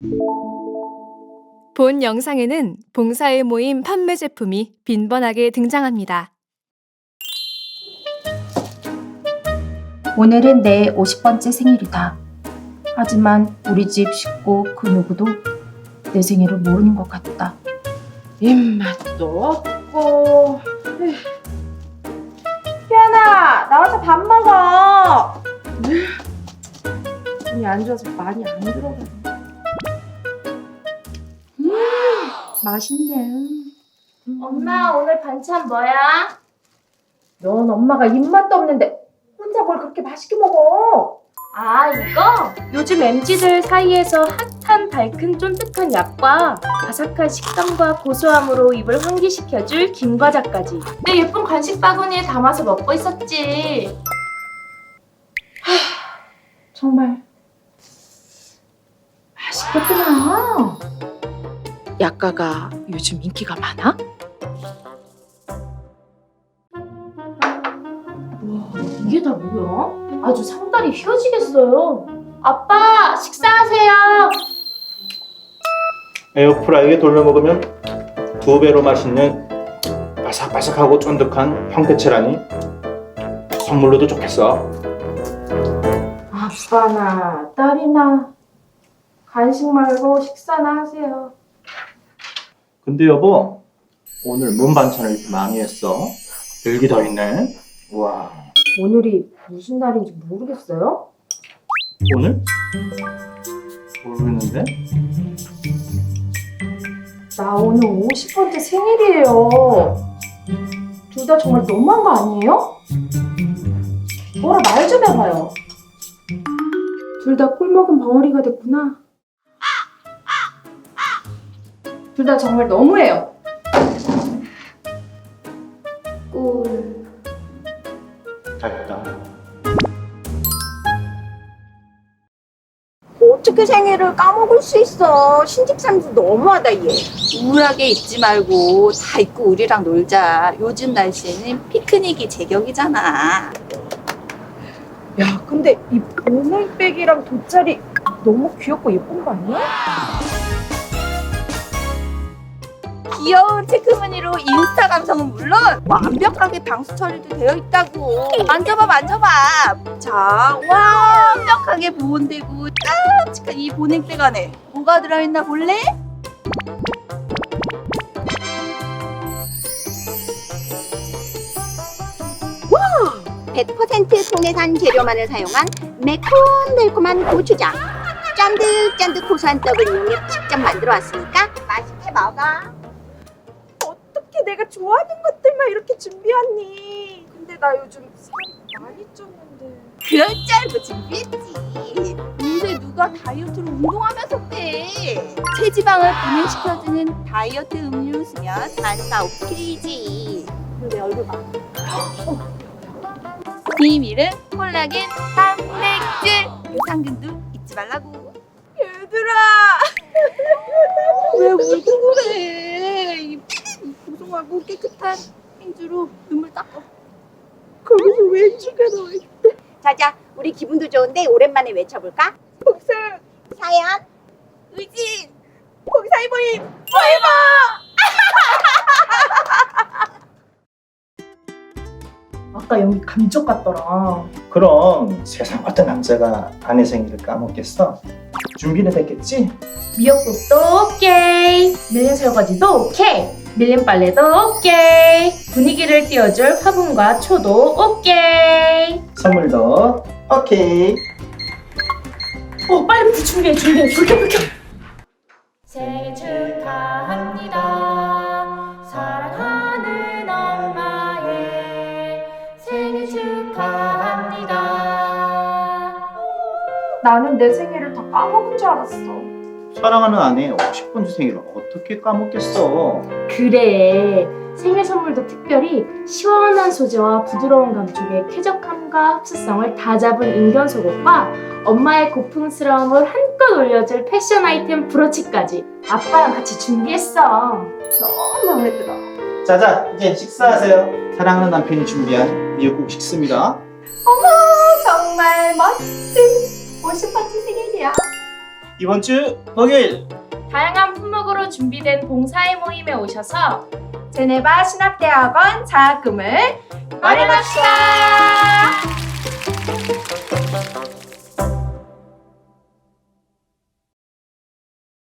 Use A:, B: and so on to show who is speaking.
A: 본 영상에는 봉사에 모임 판매 제품이 빈번하게 등장합니다.
B: 오늘은 내 50번째 생일이다. 하지만 우리 집 식구 그 누구도 내 생일을 모르는 것 같다.
C: 입맛도 없고. 희연아, 나와서 밥 먹어. 몸이 안 좋아서 많이 안 들어가네. 맛있네.
B: 엄마, 오늘 반찬 뭐야?
C: 넌 엄마가 입맛도 없는데 혼자 뭘 그렇게 맛있게 먹어?
B: 아, 이거? 요즘 MZ들 사이에서 핫한 달큰 쫀득한 약과 바삭한 식감과 고소함으로 입을 환기시켜줄 김과자까지 내 예쁜 간식 바구니에 담아서 먹고 있었지.
C: 정말 맛있겠구나. 약과가 요즘 인기가 많아?
B: 이게 다 뭐야? 아주 상다리 휘어지겠어요. 아빠, 식사하세요.
D: 에어프라이기에 돌려 먹으면 2배로 맛있는 바삭바삭하고 쫀득한 황태채라니 선물로도 좋겠어.
C: 아빠나 딸이나 간식 말고 식사나 하세요.
D: 근데 여보, 오늘 뭔 반찬을 이렇게 많이 했어? 여기 더 있네. 우와.
C: 오늘이 무슨 날인지 모르겠어요?
D: 오늘? 모르겠는데?
C: 나 오늘 50번째 생일이에요. 둘 다 정말 너무한 거 아니에요? 뭐라 말 좀 해봐요. 둘 다 꿀먹은 벙어리가 됐구나. 둘 다 정말 너무해요. 꿀.
D: 잘했다.
E: 어떻게 생일을 까먹을 수 있어. 신집사람도 너무하다 얘. 우울하게 있지 말고 다 잊고 우리랑 놀자. 요즘 날씨에는 피크닉이 제격이잖아.
C: 야, 근데 이 보물백이랑 돗자리 너무 귀엽고 예쁜 거 아니야?
E: 귀여운 체크무늬로 인스타 감성은 물론 완벽하게 방수 처리도 되어 있다고. 만져봐 만져봐. 자, 완벽하게 보온되고 깜찍한 이 보냉백 안에 뭐가 들어있나 볼래? 100% 통해산 재료만을 사용한 매콤달콤한 고추장. 짠득짠득 고소한 떡을 이용해 직접 만들어 왔으니까 맛있게 먹어.
C: 어떻게 내가 좋아하는 것들만 이렇게 준비했니? 근데 나 요즘 살 많이 쪘는데.
E: 그럴 줄 알고 준비했지. 요새 누가 다이어트로 운동하면서 빼. 체지방을 분해시켜주는 다이어트 음료 쓰면 안사 오케이지. 근데 얼굴 봐. 비밀은 콜라겐 단백질. 유산균도 잊지 말라고.
C: 얘들아!
E: 왜 울고 그래? 이 고소하고 깨끗한 행주로 눈물 닦아.
C: 거기서 왜 죽여 너?
E: 자자, 우리 기분도 좋은데 오랜만에 외쳐볼까?
C: 복수!
E: 사연, 의진,
C: 공사이보임! 아까 여기 감쪽 같더라.
D: 그럼 세상 어떤 남자가 아내 생일을 까먹겠어? 준비는 됐겠지?
B: 미역국도 오케이. 밀린 설거지도 오케이. 밀린 빨래도 오케이. 분위기를 띄워줄 화분과 초도 오케이.
D: 선물도 오케이.
B: 빨리 준비해. 불 켜. 생일 축하합니다. 사랑하는 엄마의 생일 축하합니다.
C: 나는 내 생일을 다 까먹은 줄 알았어.
D: 사랑하는 아내 50번째 생일을 어떻게 까먹겠어?
B: 그래. 생일 선물도 특별히 시원한 소재와 부드러운 감촉의 쾌적함과 흡수성을 다 잡은 인견 속옷과 엄마의 고풍스러움을 한껏 올려줄 패션 아이템 브로치까지 아빠랑 같이 준비했어.
C: 너무 마음에 들어.
D: 자자, 이제 식사하세요. 사랑하는 남편이 준비한 미역국 식습니다.
C: 정말 멋진 50번째 생일이야.
D: 이번 주 목요일
B: 다양한 품목으로 준비된 봉사의 모임에 오셔서
C: 제네바 신학대학원 장학금을
B: 마련합시다.